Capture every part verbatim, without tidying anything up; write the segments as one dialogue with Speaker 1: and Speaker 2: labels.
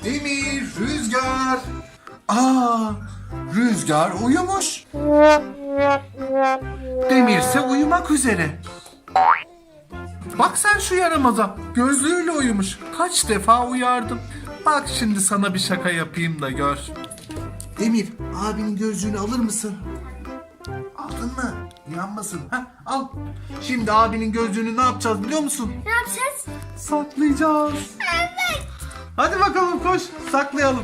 Speaker 1: Demir, Rüzgar. Aa, Rüzgar uyumuş. Demir ise uyumak üzere. Bak sen şu yaramaza. Gözlüğüyle uyumuş. Kaç defa uyardım. Bak şimdi sana bir şaka yapayım da gör. Demir, abinin gözlüğünü alır mısın? Aldın mı? Yanmasın. Heh, al. Şimdi abinin gözlüğünü ne yapacağız biliyor musun?
Speaker 2: Ne yapacağız?
Speaker 1: Saklayacağız.
Speaker 2: Evet.
Speaker 1: Hadi bakalım koş. Saklayalım.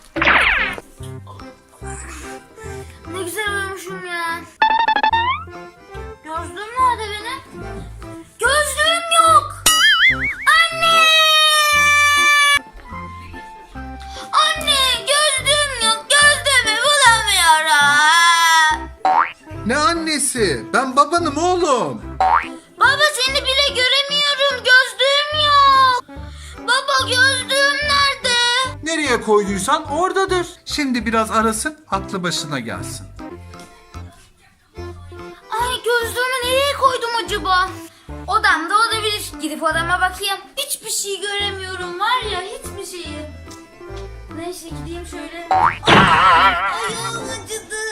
Speaker 2: Ne güzel uyumuşum ya. Gözlüğüm nerede benim? Gözlüğüm yok. Anne! Anne gözlüğüm yok. Gözlüğümü bulamıyorum.
Speaker 1: Ne annesi? Ben babanım oğlum.
Speaker 2: Baba seni bile göremiyorum. Gözlüğüm yok. Baba gözlüğüm nerede?
Speaker 1: Nereye koyduysan oradadır. Şimdi biraz arasın, aklı başına gelsin.
Speaker 2: Ay gözlüğümü nereye koydum acaba? Odamda olabilir. Gidip odama bakayım. Hiçbir şey göremiyorum var ya, hiçbir şeyi. Neyse gideyim şöyle. Ay, ayağım acıdı.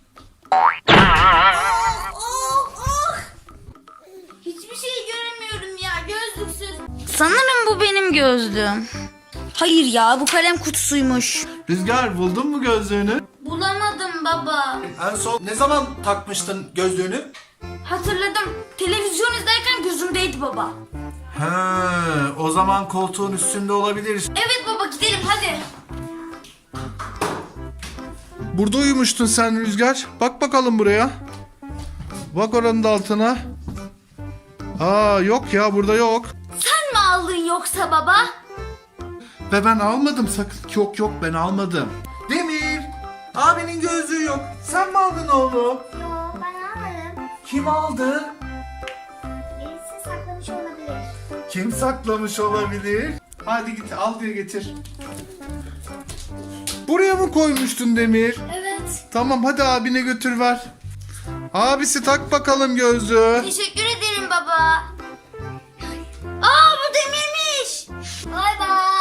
Speaker 2: Oh, oh, oh. Hiçbir şey göremiyorum ya gözlüksüz. Sanırım bu benim gözlüğüm. Hayır ya, bu kalem kutusuymuş.
Speaker 1: Rüzgar, buldun mu gözlüğünü?
Speaker 2: Bulamadım baba.
Speaker 1: En son ne zaman takmıştın gözlüğünü?
Speaker 2: Hatırladım. Televizyon izlerken gözümdeydi baba.
Speaker 1: He, o zaman koltuğun üstünde olabilir.
Speaker 2: Evet baba, gidelim hadi.
Speaker 1: Burada uyumuştun sen Rüzgar. Bak bakalım buraya. Bak oranın da altına. Aa, yok ya, burada yok.
Speaker 2: Sen mi aldın yoksa baba?
Speaker 1: Ve ben almadım sakın. Yok yok, ben almadım. Demir, abinin gözlüğü yok. Sen mi aldın oğlum?
Speaker 2: Yok, ben almadım.
Speaker 1: Kim aldı?
Speaker 2: Birisi saklamış olabilir.
Speaker 1: Kim saklamış olabilir? Hadi git al diye getir. Buraya mı koymuştun Demir?
Speaker 2: Evet.
Speaker 1: Tamam, hadi abine götür ver. Abisi tak bakalım gözlüğü.
Speaker 2: Teşekkür ederim baba. Aa, bu Demir'miş. Bay bay.